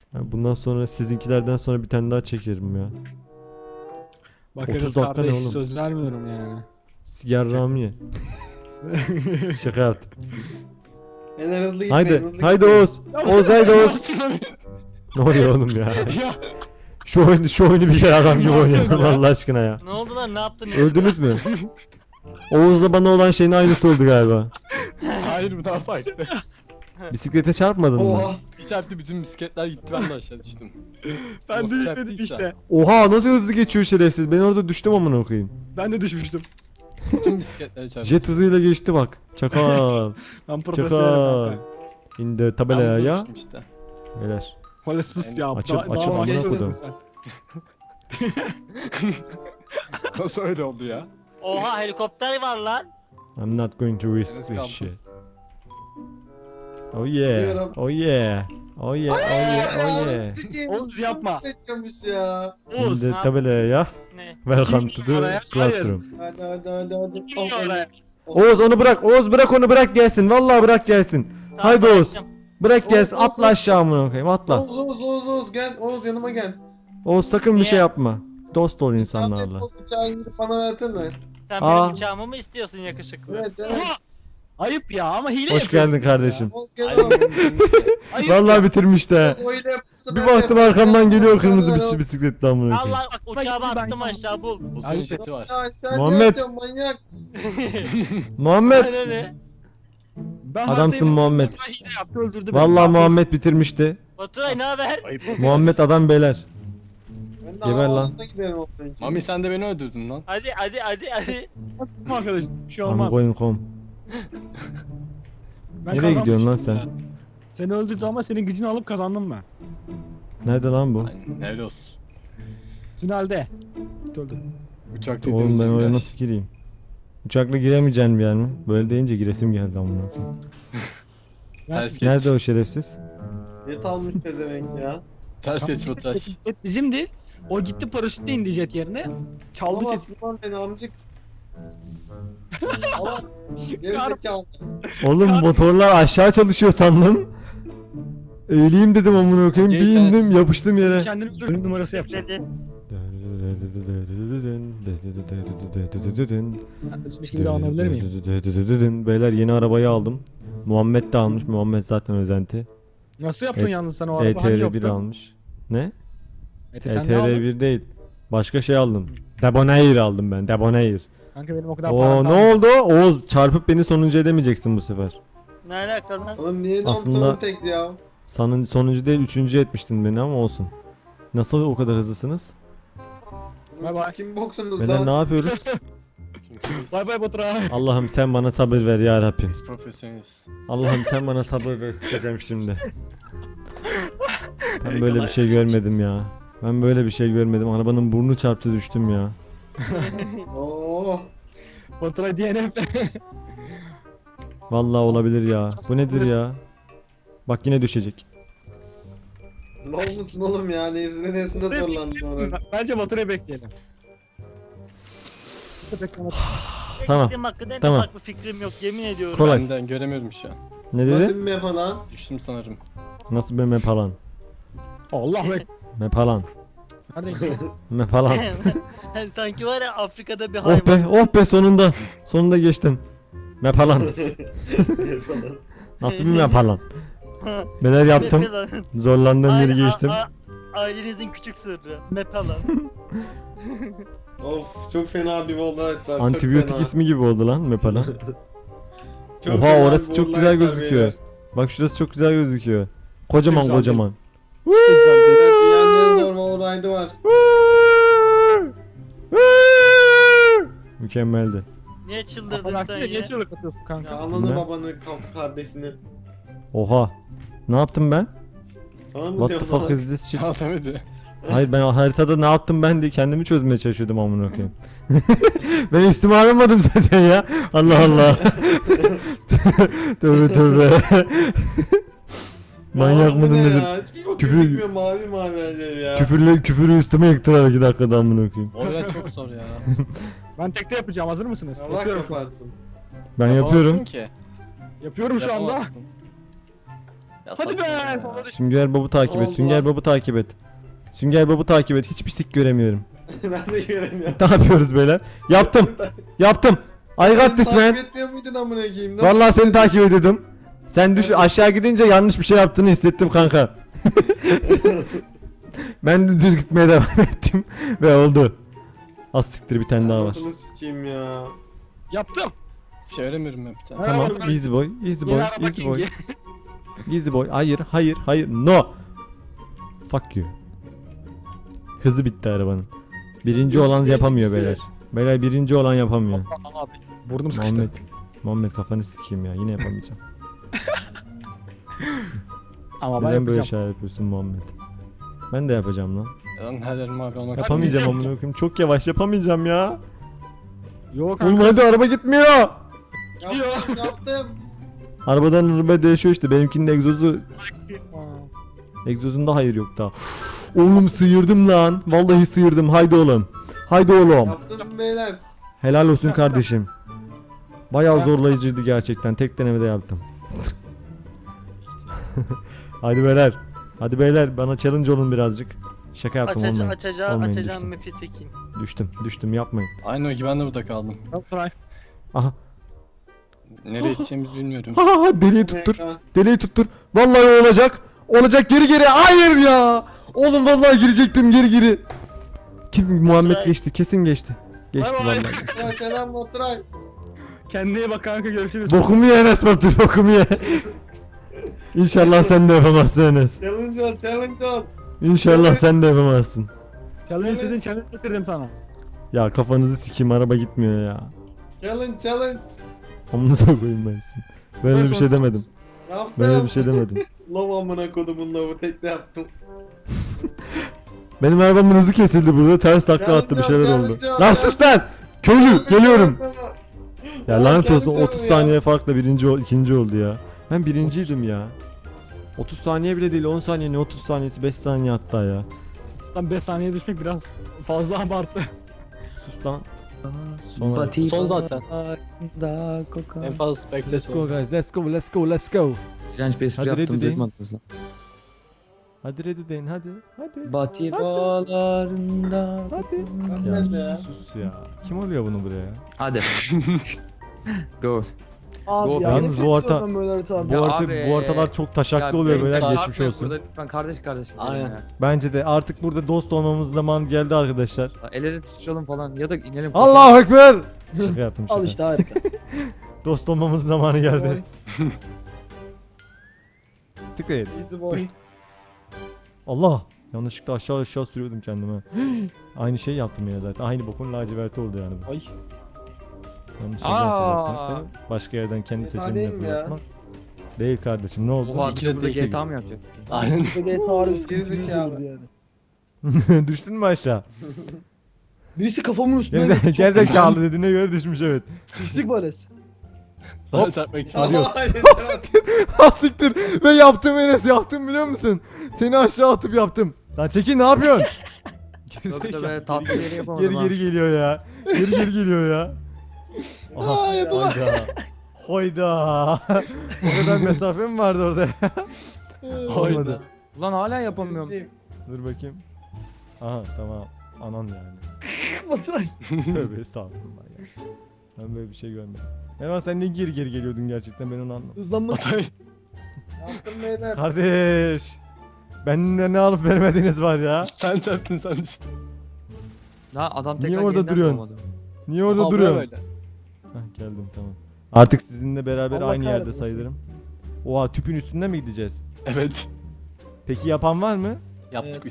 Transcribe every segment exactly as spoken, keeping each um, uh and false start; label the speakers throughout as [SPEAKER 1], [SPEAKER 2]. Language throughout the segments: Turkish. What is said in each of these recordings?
[SPEAKER 1] Ya bundan sonra sizinkilerden sonra bir tane daha çekerim ya.
[SPEAKER 2] Bakarız
[SPEAKER 1] otuz dakika ne
[SPEAKER 2] kardeş,
[SPEAKER 1] oğlum?
[SPEAKER 2] söz vermiyorum yani.
[SPEAKER 1] Yarrağımı ye. Şaka yaptım.
[SPEAKER 3] Beyler hızlı gitmeyin.
[SPEAKER 1] Haydi,
[SPEAKER 3] hızlı
[SPEAKER 1] haydi
[SPEAKER 3] gitmeyin.
[SPEAKER 1] Oğuz. Oğuz haydi Oğuz. Ne oluyor oğlum ya? Şu oyunu, şu oyunu bir kere adam gibi oynayalım Allah aşkına ya.
[SPEAKER 4] Ne oldu lan, ne yaptın?
[SPEAKER 1] Öldünüz mü? Oğuz'la bana olan şeyin aynısı oldu galiba.
[SPEAKER 5] Hayır bu daha farklı.
[SPEAKER 1] Bisiklete çarpmadın mı?
[SPEAKER 3] Oha.
[SPEAKER 5] Bir çarptı bütün bisikletler gitti ben de aşağı düştüm.
[SPEAKER 2] Ben
[SPEAKER 5] Of,
[SPEAKER 2] de
[SPEAKER 5] çarptıysa.
[SPEAKER 2] düşmedim işte.
[SPEAKER 1] Oha nasıl hızlı geçiyor şerefsiz. Ben orada düştüm amına koyayım.
[SPEAKER 2] Ben de düşmüştüm.
[SPEAKER 5] Bütün bisikletleri çarptı.
[SPEAKER 1] Jet hızıyla geçti bak. Çakal.
[SPEAKER 2] Ben
[SPEAKER 1] Çakal.
[SPEAKER 2] profesyonelim kanka.
[SPEAKER 1] İndi
[SPEAKER 5] Ben
[SPEAKER 1] tabelaya
[SPEAKER 5] burada
[SPEAKER 1] ya.
[SPEAKER 5] düştüm işte.
[SPEAKER 1] Beyler.
[SPEAKER 2] Valla sus ya.
[SPEAKER 1] Açıp-
[SPEAKER 2] daha-
[SPEAKER 1] açıp
[SPEAKER 2] daha
[SPEAKER 1] amına
[SPEAKER 2] genç
[SPEAKER 1] kodum.
[SPEAKER 2] oldun sen.
[SPEAKER 5] Nasıl öyle oldu ya?
[SPEAKER 4] Oha, helikopter var lan.
[SPEAKER 1] I'm not going to risk
[SPEAKER 5] Enes
[SPEAKER 1] this
[SPEAKER 5] kaldı.
[SPEAKER 1] shit. Oh yeah.
[SPEAKER 3] Gidiyorum.
[SPEAKER 1] Oh yeah. Oh yeah. Oh yeah. Oh yeah.
[SPEAKER 2] Oğuz yapma.
[SPEAKER 3] Bekliyormuş ya.
[SPEAKER 2] Oğuz.
[SPEAKER 1] İndi tabelaya ya.
[SPEAKER 4] Ne?
[SPEAKER 1] Welcome to
[SPEAKER 2] Kim
[SPEAKER 1] the
[SPEAKER 2] oraya?
[SPEAKER 1] classroom.
[SPEAKER 3] Hadi hadi hadi hadi.
[SPEAKER 2] Kim oraya?
[SPEAKER 1] Oğuz onu bırak. Oğuz bırak onu bırak gelsin. Vallahi bırak gelsin.
[SPEAKER 4] Tamam,
[SPEAKER 1] Haydi Oğuz.
[SPEAKER 4] bıraktım.
[SPEAKER 1] Bırak gelsin.
[SPEAKER 3] Oğuz, Oğuz,
[SPEAKER 1] Atla aşağı amına koyayım. Atla.
[SPEAKER 3] Oğuz Oğuz Oğuz Oğuz gel. Oğuz yanıma gel.
[SPEAKER 1] Oğuz sakın bir
[SPEAKER 4] Niye?
[SPEAKER 1] şey yapma. Dost ol
[SPEAKER 3] Sen
[SPEAKER 1] insanlarla.
[SPEAKER 3] de uçağa gidip bana versene.
[SPEAKER 4] Sen
[SPEAKER 1] Aa.
[SPEAKER 4] benim uçağımı mı istiyorsun yakışıklı?
[SPEAKER 3] Evet evet.
[SPEAKER 2] Ayıp ya ama hile
[SPEAKER 1] Hoş
[SPEAKER 2] yapıyorsun
[SPEAKER 1] geldin
[SPEAKER 2] ya.
[SPEAKER 1] kardeşim.
[SPEAKER 3] Oğuz gel
[SPEAKER 5] Ay,
[SPEAKER 3] oğlum.
[SPEAKER 2] Ayıp
[SPEAKER 1] Vallahi
[SPEAKER 2] ya.
[SPEAKER 1] bitirmiş de.
[SPEAKER 3] Oğuz o ile yapmışsa
[SPEAKER 1] Bir
[SPEAKER 3] ben de
[SPEAKER 1] baktım
[SPEAKER 3] yaparım.
[SPEAKER 1] arkamdan geliyor
[SPEAKER 3] Gel,
[SPEAKER 1] kırmızı
[SPEAKER 3] gel, gel.
[SPEAKER 1] bir bisikletle amına koyayım.
[SPEAKER 4] Allah bak, uçağı
[SPEAKER 2] Ben-
[SPEAKER 4] attım
[SPEAKER 2] ben-
[SPEAKER 4] aşağı bul.
[SPEAKER 5] Uzun
[SPEAKER 2] Ay,
[SPEAKER 5] jeti var.
[SPEAKER 3] Ya sen
[SPEAKER 1] Muhammed.
[SPEAKER 3] ne yapıyorsun manyak?
[SPEAKER 1] Muhammed.
[SPEAKER 4] Ne ne?
[SPEAKER 2] Ben
[SPEAKER 1] Adamsın
[SPEAKER 2] hastayım.
[SPEAKER 1] Muhammed.
[SPEAKER 2] Ben hile yaptı öldürdü beni.
[SPEAKER 1] Vallahi Muhammed bitirmişti.
[SPEAKER 4] Baturay ne haber?
[SPEAKER 1] Muhammed adam beyler.
[SPEAKER 3] Ben de
[SPEAKER 1] Geber lan.
[SPEAKER 3] havasına giderim onun için.
[SPEAKER 5] Mami sen de beni öldürdün lan.
[SPEAKER 4] Hadi hadi hadi hadi.
[SPEAKER 2] Tamam arkadaş bir şey
[SPEAKER 1] I'm
[SPEAKER 2] olmaz.
[SPEAKER 1] going home.
[SPEAKER 2] Ben
[SPEAKER 1] Nereye gidiyorsun lan
[SPEAKER 2] kazanmıştım
[SPEAKER 1] sen?
[SPEAKER 2] ya. Seni öldürdü ama senin gücünü alıp kazandım ben.
[SPEAKER 1] Nerede lan bu?
[SPEAKER 5] Aynen, helal olsun.
[SPEAKER 2] Tünelde. Öldüm.
[SPEAKER 5] Uçakta
[SPEAKER 1] Oğlum ben
[SPEAKER 5] gidiyoruz
[SPEAKER 1] oraya
[SPEAKER 5] ya.
[SPEAKER 1] nasıl gireyim? Uçakla giremeyeceğin bir yer mi? Böyle deyince giresim geldi amına koyayım.
[SPEAKER 5] Ters geç.
[SPEAKER 1] Nerede o şerefsiz?
[SPEAKER 3] Jet almış pezevenk ya.
[SPEAKER 5] Ters geç Baturay.
[SPEAKER 2] Jet bizimdi. O gitti paraşütle indi jet yerine. Çaldı jet.
[SPEAKER 3] Alamazsın lan beni amcık. Allah. Gerizekalı.
[SPEAKER 1] Oğlum motorlar aşağı çalışıyor sandım. Eğileyim dedim amına koyayım. Bir
[SPEAKER 5] Okey,
[SPEAKER 1] indim yapıştım yere.
[SPEAKER 2] Kendini öldürdü numarası yapacak.
[SPEAKER 4] Dedi.
[SPEAKER 2] Ölmüş gibi davranabilir miyim?
[SPEAKER 1] Beyler yeni arabayı aldım. Muhammed de almış. Muhammed zaten özenti.
[SPEAKER 2] Nasıl yaptın
[SPEAKER 1] E-
[SPEAKER 2] yalnız sen o araba? Hani
[SPEAKER 1] E T R bir
[SPEAKER 2] yoktu?
[SPEAKER 1] almış. Ne?
[SPEAKER 2] E T sen ne aldın?
[SPEAKER 1] E T R bir değil. Başka şey aldım. Debonair aldım ben. Debonair.
[SPEAKER 2] Kanka benim o kadar
[SPEAKER 1] Oo
[SPEAKER 2] param
[SPEAKER 1] ne
[SPEAKER 2] kalmadı.
[SPEAKER 1] oldu? Oğuz çarpıp beni sonuncu edemeyeceksin bu sefer.
[SPEAKER 4] Ne alaka lan?
[SPEAKER 3] Oğlum niye
[SPEAKER 1] Aslında-
[SPEAKER 3] Aslında... tekli ya?
[SPEAKER 1] Sonun, sonuncu değil üçüncü etmiştin beni ama olsun. Nasıl o kadar hızlısınız?
[SPEAKER 2] Bay bay.
[SPEAKER 3] Siz kim boksunuz
[SPEAKER 1] Beyler ne
[SPEAKER 3] lan?
[SPEAKER 1] yapıyoruz?
[SPEAKER 2] Bay bay Baturay.
[SPEAKER 1] Allah'ım sen bana sabır ver ya Rabbim.
[SPEAKER 5] Biz profesyoneliz.
[SPEAKER 1] Allah'ım sen bana sabır ver diyeceğim şimdi. Ben böyle bir şey görmedim ya. Ben böyle bir şey görmedim. Arabanın burnu çarptı düştüm ya.
[SPEAKER 3] Oo.
[SPEAKER 2] Baturay D N F.
[SPEAKER 1] Vallahi olabilir ya. Bu nedir ya? Bak yine düşecek.
[SPEAKER 3] Ne olmuşsun oğlum ya? Nezire nesinde zorlandı sonra.
[SPEAKER 2] Bence Baturay'ı bekleyelim. Beklemek.
[SPEAKER 1] Tamam,
[SPEAKER 4] Beklediğim hakkında en
[SPEAKER 1] tamam.
[SPEAKER 4] ufak bir fikrim yok, yemin ediyorum.
[SPEAKER 1] Kolay.
[SPEAKER 5] Benden göremiyorum şu an.
[SPEAKER 1] Ne
[SPEAKER 3] Nasıl
[SPEAKER 1] dedi?
[SPEAKER 3] bir map lan?
[SPEAKER 5] Düştüm sanırım.
[SPEAKER 1] Nasıl bir mepalan?
[SPEAKER 2] Allah be.
[SPEAKER 1] Mepalan.
[SPEAKER 2] Nereden gidiyor?
[SPEAKER 1] Mepalan.
[SPEAKER 4] Sanki var ya, Afrika'da bir hayvan.
[SPEAKER 1] Oh be, oh be sonunda. Sonunda geçtim. Mepalan. Nasıl bir mepalan? Neler yaptım?
[SPEAKER 4] Mepelan.
[SPEAKER 1] Zorlandığım yeri
[SPEAKER 4] Aynen,
[SPEAKER 1] geçtim.
[SPEAKER 4] a- a- Ailenizin küçük sırrı. Mepelan.
[SPEAKER 3] Of çok fena bir Wallride var.
[SPEAKER 1] Antibiyotik
[SPEAKER 3] çok fena.
[SPEAKER 1] ismi gibi oldu lan mepalan.
[SPEAKER 3] Çok
[SPEAKER 1] Oha
[SPEAKER 3] fena
[SPEAKER 1] orası
[SPEAKER 3] bir
[SPEAKER 1] çok
[SPEAKER 3] Wallride
[SPEAKER 1] güzel
[SPEAKER 3] var
[SPEAKER 1] gözüküyor.
[SPEAKER 3] beyler.
[SPEAKER 1] Bak şurası çok güzel gözüküyor. Kocaman
[SPEAKER 2] Güzel
[SPEAKER 1] kocaman.
[SPEAKER 2] İşte güzel değil.
[SPEAKER 3] Evet dünyanın en zor Wallride'ı var.
[SPEAKER 1] Mükemmeldi.
[SPEAKER 4] Niye çıldırdın
[SPEAKER 2] Affedersin
[SPEAKER 4] sen
[SPEAKER 2] de
[SPEAKER 4] ya?
[SPEAKER 2] niye çığlık atıyorsun
[SPEAKER 3] Ya
[SPEAKER 2] kanka?
[SPEAKER 3] ananı
[SPEAKER 1] Ne?
[SPEAKER 3] babanı kaf kardeşini.
[SPEAKER 1] Oha. Ne yaptım ben?
[SPEAKER 3] Sana mı
[SPEAKER 1] What the
[SPEAKER 3] diyorsun
[SPEAKER 1] fuck
[SPEAKER 3] lan?
[SPEAKER 1] is this shit?
[SPEAKER 5] Şans demedi.
[SPEAKER 1] Hayır ben haritada ne yaptım ben diye kendimi çözmeye çalışıyordum amına koyayım. Ben üstüme alamadım zaten ya. Allah Allah. Tövbe tövbe. Manyak
[SPEAKER 3] Aa, bu
[SPEAKER 1] mıdır
[SPEAKER 3] ne
[SPEAKER 1] nedir?
[SPEAKER 3] ya? Hiçbir bok
[SPEAKER 1] Küfür-
[SPEAKER 3] gözükmüyor, mavi mavi elleri ya.
[SPEAKER 1] Küfürle küfürü üstüme yıktılar iki dakikada amına koyayım.
[SPEAKER 5] Orada çok zor ya.
[SPEAKER 2] Ben tekte yapacağım, hazır mısınız?
[SPEAKER 3] Allah
[SPEAKER 2] Yapıyorum.
[SPEAKER 3] kapatsın.
[SPEAKER 1] Ben
[SPEAKER 5] Yapamazsın
[SPEAKER 1] yapıyorum.
[SPEAKER 5] ki.
[SPEAKER 2] Yapıyorum şu anda.
[SPEAKER 5] Yapamazsın. Ya
[SPEAKER 2] Hadi
[SPEAKER 5] saçma
[SPEAKER 2] be,
[SPEAKER 5] ya.
[SPEAKER 2] sonra düştüm.
[SPEAKER 1] Sünger Bob'u takip et.
[SPEAKER 3] Allah.
[SPEAKER 1] Sünger Bob'u takip et. Sünger Bob'u takip et. Hiçbir sik göremiyorum.
[SPEAKER 3] Ben de göremiyorum.
[SPEAKER 1] Ne yapıyoruz beyler? Yaptım. Yaptım. I got this man.
[SPEAKER 3] Takip etmiyor muydun amına koyayım? Nasıl
[SPEAKER 1] Vallahi seni
[SPEAKER 3] yapıyorsun?
[SPEAKER 1] takip ediyordum. Sen düş aşağı gidince yanlış bir şey yaptığını hissettim kanka. Ben de düz gitmeye devam ettim ve oldu. Az siktir bir tane daha var.
[SPEAKER 3] Anasını sikeyim ya.
[SPEAKER 2] Yaptım.
[SPEAKER 5] Bir şey veremiyorum ben bir tane.
[SPEAKER 2] Ha.
[SPEAKER 1] Tamam,
[SPEAKER 2] Merhaba.
[SPEAKER 1] easy boy, easy boy,
[SPEAKER 2] Yeni araba
[SPEAKER 1] easy boy,
[SPEAKER 2] kingi.
[SPEAKER 1] easy boy. Hayır, hayır, hayır, no. Fuck you. Hızı bitti arabanın. Birinci olan yapamıyor beyler. Beyler birinci olan yapamıyor.
[SPEAKER 2] Abi burnum sıkıştı.
[SPEAKER 1] Muhammed, Muhammed kafanı sikeyim ya. Yine yapamayacağım.
[SPEAKER 2] Ama ben
[SPEAKER 1] Neden böyle
[SPEAKER 2] yapacağım.
[SPEAKER 1] şeyler yapıyorsun Muhammed? Ben de yapacağım lan.
[SPEAKER 5] Lan her yerim mavi olmak
[SPEAKER 1] Yapamayacağım
[SPEAKER 2] Hadi.
[SPEAKER 1] amına koyayım. Çok yavaş yapamayacağım ya.
[SPEAKER 2] Yok
[SPEAKER 1] Oğlum
[SPEAKER 2] kanka.
[SPEAKER 1] hadi araba gitmiyor.
[SPEAKER 3] Yaptım yaptım.
[SPEAKER 1] Arabadan arabaya değişiyor işte. Benimkinin egzozu egzozunda hayır yok daha. Oğlum sıyırdım lan. Vallahi sıyırdım. Haydi oğlum. Haydi oğlum.
[SPEAKER 3] Yaptım beyler.
[SPEAKER 1] Helal olsun kardeşim. Bayağı zorlayıcıydı gerçekten. Tek denemede yaptım. Hadi beyler. Hadi beyler bana challenge olun birazcık. Şaka yaptım
[SPEAKER 4] Açaca,
[SPEAKER 1] olmayın.
[SPEAKER 4] açacağım,
[SPEAKER 1] Olmayın,
[SPEAKER 4] açacağım
[SPEAKER 1] düştüm.
[SPEAKER 4] map'i sekeyim.
[SPEAKER 1] Düştüm. Düştüm yapmayın.
[SPEAKER 5] Aynı o gibi ben de burada kaldım.
[SPEAKER 2] Try.
[SPEAKER 1] Aha.
[SPEAKER 5] Nereye gideceğimizi bilmiyorum.
[SPEAKER 1] Ha ha ha, deliği tuttur. Deliği tuttur. Vallahi olacak. Olacak geri geri. Hayır ya. Oğlum vallahi girecektim geri geri. Kim Muhammed
[SPEAKER 4] Baturay.
[SPEAKER 1] geçti. Kesin geçti. Geçti
[SPEAKER 2] Bay bay.
[SPEAKER 1] vallahi.
[SPEAKER 3] Ya selam Baturay.
[SPEAKER 2] Kendine iyi bak kanka, görüşürüz.
[SPEAKER 1] Bokumu ye Enes Batur. Bokumu ye. İnşallah sen de yapamazsın Enes.
[SPEAKER 3] Challenge on challenge on.
[SPEAKER 1] İnşallah sen de yapamazsın.
[SPEAKER 2] Challenge istediğin challenge getirdim sana.
[SPEAKER 1] Ya kafanızı sikeyim araba gitmiyor ya.
[SPEAKER 3] Challenge challenge.
[SPEAKER 1] Amınıza koyayım ben sizin. Böyle bir şey demedim.
[SPEAKER 3] Yaptım.
[SPEAKER 1] Böyle bir şey demedim.
[SPEAKER 3] Lav amına kodumun lavı tekne yaptım.
[SPEAKER 1] Benim arabamın hızı kesildi burada. Ters takla attı bir şeyler
[SPEAKER 3] Challenge,
[SPEAKER 1] oldu.
[SPEAKER 3] challenge.
[SPEAKER 1] Lan sus lan! Köylü geliyorum. Ya
[SPEAKER 3] Ya
[SPEAKER 1] lanet olsun
[SPEAKER 3] kendi
[SPEAKER 1] otuz
[SPEAKER 3] canım
[SPEAKER 1] saniye farkla birinci ol, ikinci oldu ya. Ben birinciydim ya. otuz saniye bile değil on saniye ne otuz saniyesi beş saniye hatta ya.
[SPEAKER 2] Cidden beş saniye düşmek biraz fazla abartı.
[SPEAKER 1] Sus lan. Sonra.
[SPEAKER 5] Son zaten. En fazla spekle
[SPEAKER 1] Let's go guys let's go let's go let's go.
[SPEAKER 6] İğrenç bir espri
[SPEAKER 1] Hadi ready
[SPEAKER 6] yaptım
[SPEAKER 1] deyin.
[SPEAKER 6] duymadınız lan.
[SPEAKER 1] Hadi ready deyin hadi. Hadi.
[SPEAKER 6] Batibalarında.
[SPEAKER 1] Hadi.
[SPEAKER 3] Hadi
[SPEAKER 1] Ya
[SPEAKER 3] ya.
[SPEAKER 1] sus ya. Kim oluyor bunu buraya?
[SPEAKER 6] Hadi. Go.
[SPEAKER 2] Abi
[SPEAKER 6] Go.
[SPEAKER 2] ya.
[SPEAKER 1] Yalnız
[SPEAKER 2] nefret
[SPEAKER 1] bu harita-
[SPEAKER 2] ediyorum böyle haritalardan.
[SPEAKER 1] Bu,
[SPEAKER 6] Ya
[SPEAKER 1] harita,
[SPEAKER 6] abi,
[SPEAKER 1] bu haritalar çok taşaklı oluyor
[SPEAKER 6] beyler,
[SPEAKER 1] böyle
[SPEAKER 6] çarpmayın
[SPEAKER 1] geçmiş olsun.
[SPEAKER 6] Burada lütfen kardeş kardeş. gidelim
[SPEAKER 5] Aynen.
[SPEAKER 6] ya.
[SPEAKER 1] Bence de artık burada dost olmamız zaman geldi arkadaşlar.
[SPEAKER 6] La, El ele tutuşalım falan ya da inelim.
[SPEAKER 1] Allahu Ekber. Şaka yaptım şaka.
[SPEAKER 2] Al işte harika.
[SPEAKER 1] Dost olmamız zamanı geldi.
[SPEAKER 3] Boy,
[SPEAKER 1] Tıklayın.
[SPEAKER 3] easy boy.
[SPEAKER 1] Allah. Yanlışlıkla aşağı aşağı sürüyordum kendime. Aynı şey yaptım yine zaten. Aynı bokun laciverti oldu yani bu.
[SPEAKER 2] Ay.
[SPEAKER 1] Yanlış şey
[SPEAKER 6] Aa.
[SPEAKER 1] yapmak da başka yerden kendi
[SPEAKER 3] Fena
[SPEAKER 1] seçimini
[SPEAKER 3] değil mi ya?
[SPEAKER 1] yapmak. Değil kardeşim ne oldu?
[SPEAKER 6] Oha
[SPEAKER 5] İki de
[SPEAKER 6] burada
[SPEAKER 5] değil.
[SPEAKER 6] G T A mı yapacak?
[SPEAKER 5] Aynen.
[SPEAKER 2] Böyle tarih sıkıntı
[SPEAKER 3] Gerizekalı.
[SPEAKER 2] büyük yani.
[SPEAKER 1] Düştün mü aşağı?
[SPEAKER 2] Birisi kafamın üstüne
[SPEAKER 1] Gerze
[SPEAKER 2] geçti.
[SPEAKER 1] gerizekalı dediğine göre düşmüş evet.
[SPEAKER 2] Pislik baresi.
[SPEAKER 5] Sana çarpmak için.
[SPEAKER 1] Adios.
[SPEAKER 3] Hayır,
[SPEAKER 1] Ha siktir. Ve yaptım Enes yaptım biliyor musun? Seni aşağı atıp yaptım. Lan çekil ne yapıyorsun?
[SPEAKER 6] Tabii
[SPEAKER 1] Gerizekalı.
[SPEAKER 6] tabii tatlı bir yere yapamadım
[SPEAKER 1] Geri
[SPEAKER 6] ha.
[SPEAKER 1] geri geliyor ya. Geri geri geliyor ya. Aha.
[SPEAKER 3] Aa, yapamam.
[SPEAKER 1] Hayda. Hayda. O kadar mesafe mi vardı orada? Olmadı.
[SPEAKER 6] Ulan hala yapamıyorum.
[SPEAKER 1] Dur bakayım. Aha tamam. Anan yani.
[SPEAKER 2] Baturay.
[SPEAKER 1] Tövbe estağfurullah ya. Ben böyle bir şey görmedim. Hemen sen niye geri geri geliyordun gerçekten ben onu anlamadım.
[SPEAKER 2] Hızlanmak.
[SPEAKER 3] Yaptım beyler.
[SPEAKER 1] Kardeş. Benden ne alıp vermediğiniz var ya.
[SPEAKER 5] Sen çarptın sen düştün.
[SPEAKER 6] La adam
[SPEAKER 1] Niye
[SPEAKER 6] tekrar
[SPEAKER 1] orada
[SPEAKER 6] yeniden
[SPEAKER 1] duruyorsun?
[SPEAKER 6] doğmadı.
[SPEAKER 1] Niye orada
[SPEAKER 5] Oha,
[SPEAKER 1] duruyorsun?
[SPEAKER 5] böyle.
[SPEAKER 1] Hah geldim tamam. Artık sizinle beraber
[SPEAKER 2] Allah
[SPEAKER 1] aynı yerde
[SPEAKER 2] kahretmesin.
[SPEAKER 1] sayılırım. Oha tüpün üstünde mi gideceğiz?
[SPEAKER 5] Evet.
[SPEAKER 1] Peki yapan var mı?
[SPEAKER 5] Yaptık
[SPEAKER 2] Evet.
[SPEAKER 5] biz.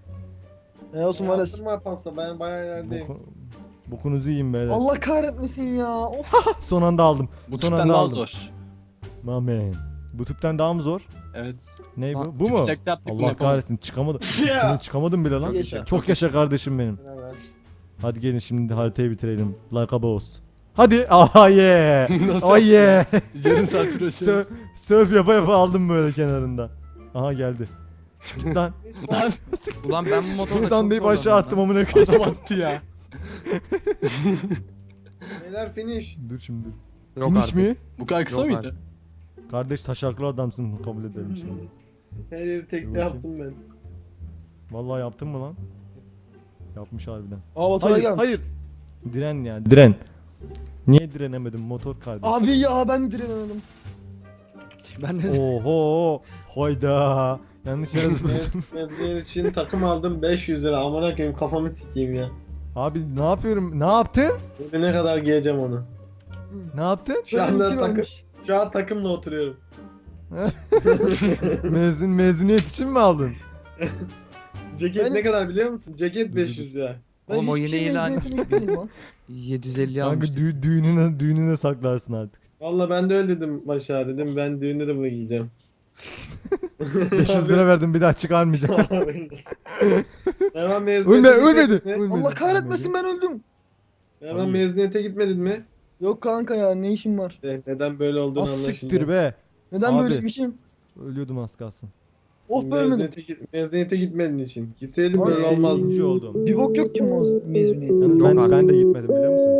[SPEAKER 2] E olsun var
[SPEAKER 3] Yaptım yaparsa ben bayağı ilerideyim.
[SPEAKER 1] Boku, bokunuzu yiyin beyler.
[SPEAKER 2] Allah kahretmesin ya. Of.
[SPEAKER 1] Son anda aldım.
[SPEAKER 5] Bu
[SPEAKER 1] Son
[SPEAKER 5] tüpten
[SPEAKER 1] anda
[SPEAKER 5] daha
[SPEAKER 1] aldım.
[SPEAKER 5] zor.
[SPEAKER 1] Amen. Bu tüpten daha mı zor?
[SPEAKER 5] Evet.
[SPEAKER 1] Ne bu?
[SPEAKER 6] Lan,
[SPEAKER 1] Bu mu?
[SPEAKER 5] Yüksek yaptık bunu
[SPEAKER 1] Allah
[SPEAKER 5] yapamadık.
[SPEAKER 1] kahretsin çıkamadım.
[SPEAKER 3] Ya.
[SPEAKER 1] Üstüne çıkamadım bile lan.
[SPEAKER 2] Çok yaşa.
[SPEAKER 1] Çok yaşa kardeşim benim.
[SPEAKER 3] Evet.
[SPEAKER 1] Hadi gelin şimdi haritayı bitirelim. Like a boss. Hadi. Ah yeah.
[SPEAKER 5] Nasıl
[SPEAKER 1] Oh yeah.
[SPEAKER 5] Yarım saat
[SPEAKER 1] Sö
[SPEAKER 5] uğraşıyoruz.
[SPEAKER 1] Surf yapa yapa aldım böyle kenarında. Aha geldi. Çık git lan.
[SPEAKER 5] Lan
[SPEAKER 6] Ulan ben bu motorla
[SPEAKER 1] Buradan
[SPEAKER 6] çok
[SPEAKER 1] deyip aşağı
[SPEAKER 6] zorlandım
[SPEAKER 1] attım
[SPEAKER 6] lan.
[SPEAKER 1] amına koyayım.
[SPEAKER 5] adam attı ya.
[SPEAKER 3] Beyler finish.
[SPEAKER 1] Dur şimdi.
[SPEAKER 6] Yok
[SPEAKER 1] Finish
[SPEAKER 6] artık.
[SPEAKER 1] mi?
[SPEAKER 5] Bu kadar kısa
[SPEAKER 6] Yok
[SPEAKER 5] mıydı?
[SPEAKER 6] artık.
[SPEAKER 1] Kardeş taşaklı adamsın kabul edelim şimdi.
[SPEAKER 3] Her yeri
[SPEAKER 1] Dur
[SPEAKER 3] tekte
[SPEAKER 1] bakayım.
[SPEAKER 3] yaptım ben.
[SPEAKER 1] Vallahi yaptın mı lan? Yapmış harbiden.
[SPEAKER 5] Aa motora
[SPEAKER 1] Hayır
[SPEAKER 5] gel.
[SPEAKER 1] hayır. Diren ya diren. Niye direnemedim motor kardeş?
[SPEAKER 5] Abi ya ben direnemedim. Ben de
[SPEAKER 1] Oho. Hayda. Yanlış yere zıpladım.
[SPEAKER 3] Ben bunun için takım aldım beş yüz lira. Amına koyayım kafamı sikeyim ya.
[SPEAKER 1] Abi ne yapıyorum? Ne yaptın?
[SPEAKER 3] Bugüne kadar giyeceğim onu.
[SPEAKER 1] Ne yaptın?
[SPEAKER 3] Şu anda
[SPEAKER 5] Benimki
[SPEAKER 3] takım,
[SPEAKER 5] varmış.
[SPEAKER 3] şu an takımla oturuyorum.
[SPEAKER 1] Mezun mezuniyet için mi aldın?
[SPEAKER 3] Ceket
[SPEAKER 5] Ben-
[SPEAKER 3] ne kadar biliyor musun? Ceket beş yüz lira.
[SPEAKER 5] Ben
[SPEAKER 6] Oğlum o
[SPEAKER 5] hiçbir
[SPEAKER 6] yine
[SPEAKER 5] şey
[SPEAKER 6] ilan-
[SPEAKER 5] mezuniyetine gitmedim lan.
[SPEAKER 6] yedi yüz elli
[SPEAKER 1] Kanka
[SPEAKER 6] almıştık.
[SPEAKER 1] dü- düğününe düğününe saklarsın artık.
[SPEAKER 3] Valla ben de öyle dedim Başa dedim ben düğünde de bunu giyeceğim.
[SPEAKER 1] beş yüz lira verdim bir daha çıkarmayacağım.
[SPEAKER 3] Hemen mezuniyete
[SPEAKER 1] Ölme
[SPEAKER 3] gitmedin
[SPEAKER 1] ölmedi.
[SPEAKER 3] mi?
[SPEAKER 1] ölmedi.
[SPEAKER 5] Allah kahretmesin ben öldüm.
[SPEAKER 3] Hemen
[SPEAKER 1] Hayır.
[SPEAKER 3] mezuniyete gitmedin mi?
[SPEAKER 5] Yok kanka ya ne işim var?
[SPEAKER 3] İşte neden böyle olduğunu
[SPEAKER 1] Az
[SPEAKER 3] anlaşıldı.
[SPEAKER 1] siktir be.
[SPEAKER 5] Neden
[SPEAKER 1] Abi.
[SPEAKER 5] böyleymişim?
[SPEAKER 1] Ölüyordum az kalsın.
[SPEAKER 5] Oh be ölmedim.
[SPEAKER 3] Mezuniyete, git- mezuniyete gitmedin için. Gitseydin
[SPEAKER 5] Ay.
[SPEAKER 3] böyle olmazdı.
[SPEAKER 1] Birinci oldum.
[SPEAKER 5] Bir bok yok ki o mezuniyet.
[SPEAKER 1] Yalnız
[SPEAKER 6] Yok
[SPEAKER 1] ben,
[SPEAKER 6] artık.
[SPEAKER 1] ben de gitmedim biliyor musun?